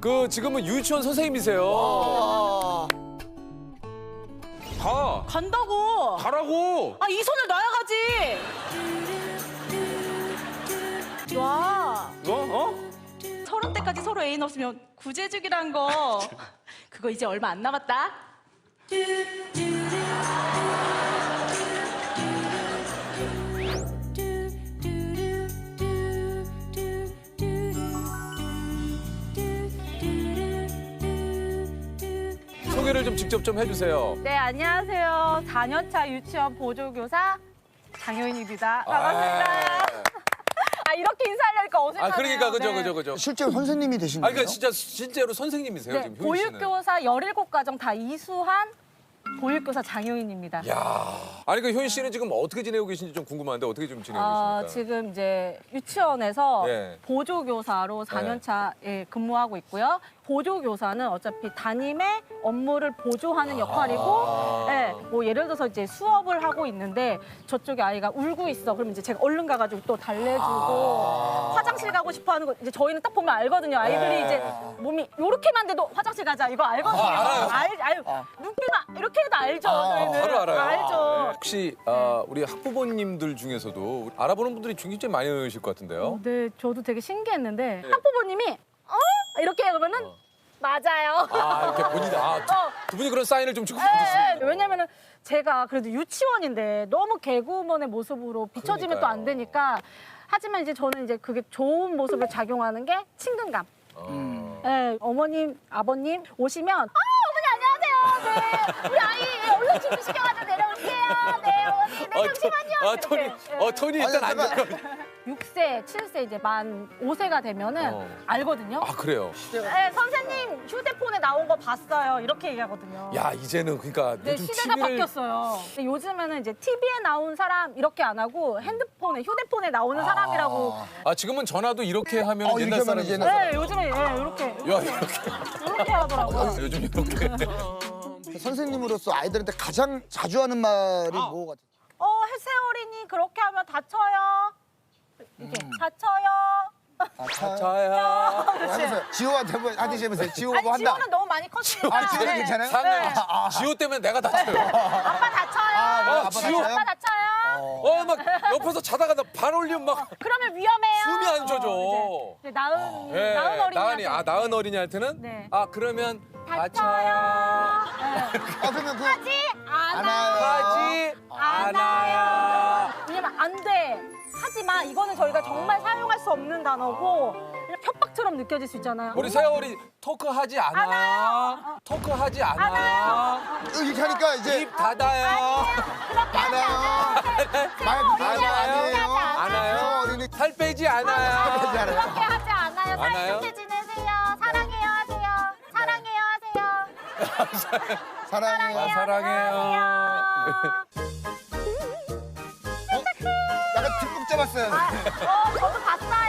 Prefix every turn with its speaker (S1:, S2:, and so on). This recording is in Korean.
S1: 그 지금은 유치원 선생님이세요. 가.
S2: 간다고.
S1: 가라고.
S2: 아, 이 손을 놔야지. 와.
S1: 어?
S2: 30대까지 서로 애인 없으면 구제죽이란 거. 그거 이제 얼마 안 남았다.
S1: 소개를 좀 직접 좀 해주세요.
S3: 네, 안녕하세요. 4년차 유치원 보조교사 장효인입니다. 반갑습니다. 아, 이렇게 인사하려니까 어색하네요.
S1: 그러니까
S3: 네.
S1: 그죠.
S4: 실제로 선생님이 되신 거예요?
S1: 그러니까 진짜 실제로 선생님이세요
S3: 네,
S1: 지금 효인 씨는.
S3: 보육교사 17과정 다 이수한 보육교사 장효인입니다.
S1: 야. 아니 그 효인 씨는 지금 어떻게 지내고 계신지 좀 궁금한데 어떻게 좀 지내고 계십니까?
S3: 지금 이제 유치원에서
S1: 네.
S3: 보조교사로 4년차에 근무하고 있고요. 보조교사는 어차피 담임의 업무를 보조하는 역할이고, 네, 뭐 예를 들어서 이제 수업을 하고 있는데 저쪽에 아이가 울고 있어. 그러면 이제 제가 얼른 가가지고 또 달래주고 화장실 가고 싶어하는 거 이제 저희는 딱 보면 알거든요. 아이들이 이제 몸이 요렇게만 돼도 화장실 가자 이거 알거든요.
S1: 알아요.
S3: 눈빛만 이렇게 해도 알죠. 저희는
S1: 바로 알아요.
S3: 알죠.
S1: 혹시 우리 학부모님들 중에서도 알아보는 분들이 굉장히 많이 계실 것 같은데요.
S3: 네, 저도 되게 신기했는데 학부모님이 이렇게 그러면은 맞아요.
S1: 이렇게 본인 두 분이 그런 사인을 좀 주고
S3: 네,
S1: 받으시는
S3: 왜냐면은 제가 그래도 유치원인데 너무 개구먼의 모습으로 비춰지면 또 안 되니까. 하지만 이제 저는 이제 그게 좋은 모습을 작용하는 게 친근감. 네, 어머님, 아버님 오시면 어머니 안녕하세요. 네, 우리 아이 얼른 준비시켜가지고 내려올게요. 네, 어머니, 네, 잠시만요.
S1: 톤이
S3: 이렇게.
S1: 톤이 일단 안 좋아요.
S3: 6세, 7세 이제 만 5세가 되면은 알거든요.
S1: 그래요.
S3: 네, 선생님 휴대폰에 나온 거 봤어요. 이렇게 얘기하거든요.
S1: 야 이제는 그러니까
S3: 네,
S1: 요즘
S3: 시대가
S1: TV를
S3: 바뀌었어요. 근데 요즘에는 이제 TV에 나온 사람 이렇게 안 하고 핸드폰에, 휴대폰에 나오는 사람이라고.
S1: 지금은 전화도 이렇게 하면
S4: 이렇게
S1: 옛날
S4: 하면
S1: 사람이
S4: 이제 옛날
S3: 네, 요즘에 이렇게
S1: 야 이렇게
S3: 이렇게 하더라고요.
S1: 요즘 이렇게
S4: 선생님으로서 아이들한테 가장 자주 하는 말이 뭐 같아요?
S3: 세월이니 그렇게 하면 다쳐요. 이렇게 다쳐요.
S1: 자야
S4: 하면서 지호한테 한번 하시면서 지호가
S3: 아니
S4: 뭐 한다.
S3: 지호는 너무 많이 컸으니까.
S4: 지호는
S3: 네.
S4: 괜찮아요?
S1: 상은 지호 때문에 내가 다쳐요.
S3: 아빠 다쳐요.
S4: 아빠
S1: 지호.
S4: 다쳐요?
S3: 아빠 다쳐요.
S1: 막 옆에서 자다가 나 발 올리면 막
S3: 그러면 위험해요.
S1: 숨이 안 쉬어져.
S3: 이제 나은 어린이.
S1: 나은 어린이한테는
S3: 네.
S1: 그러면
S3: 다쳐요. 네.
S4: 그러면
S3: 하지 않아요.
S1: 하지 않아요.
S3: 왜냐면 안 돼. 하지 마. 이거는 저희가 정말 사용할 수 없는 단어고 그냥 협박처럼 느껴질 수 있잖아요.
S1: 우리 세월이 토크하지 않아. 토크하지 않아.
S4: 이렇게 하니까 이제
S1: 입 닫아요.
S3: 그렇게 하지 않아요.
S4: 말 그대로 아니에요.
S1: 않아요.
S4: 저 어린이
S1: 살 빼지 않아요.
S4: 빼지 않아요.
S3: 그렇게 하지 않아요.
S1: 않아요?
S3: 사이좋게 지내세요. 사랑해요 하세요. 사랑해요 하세요.
S4: 사랑해요.
S1: 사랑해요.
S4: 약간 듬뿍 잡았어요.
S3: 저도 봤어요.